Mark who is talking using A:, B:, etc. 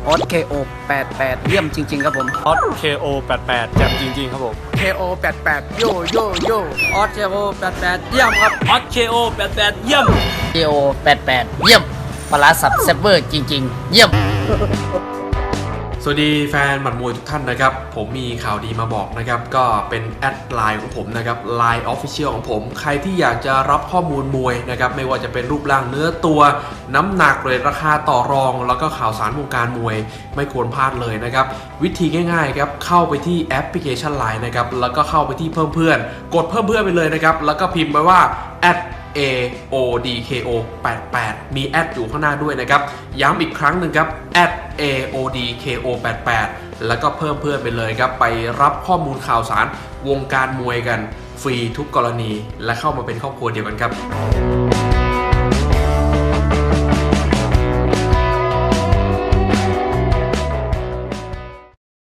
A: ออส KO 88เยี่ยมจริงๆครับผม
B: ออส KO 88แจ่มจริงๆครับผม
A: KO 88โยโยโยออส KO 88เยี่ยมครับ
B: ออส KO 88เยี่ยม
A: KO 88เยี่ยมปลาสับเซฟเวอร์จริงๆเยี่ยม
C: สวัสดีแฟนหมัดมวยทุกท่านนะครับผมมีข่าวดีมาบอกนะครับก็เป็นแอดไลน์ของผมนะครับ Line Official ของผมใครที่อยากจะรับข้อมูลมวยนะครับไม่ว่าจะเป็นรูปร่างเนื้อตัวน้ำหนักเรทราคาต่อรองแล้วก็ข่าวสารวงการมวยไม่ควรพลาดเลยนะครับวิธีง่ายๆครับเข้าไปที่แอปพลิเคชัน Line นะครับแล้วก็เข้าไปที่เพิ่มเพื่อนกดเพิ่มเพื่อนไปเลยนะครับแล้วก็พิมพ์ไปว่าAODKO 88มีแอดอยู่ข้างหน้าด้วยนะครับย้ำอีกครั้งหนึ่งครับAODKO 88แล้วก็เพิ่มเพื่อนไปเลยครับไปรับข้อมูลข่าวสารวงการมวยกันฟรีทุกกรณีและเข้ามาเป็นครอบครัวเดียวกันครับ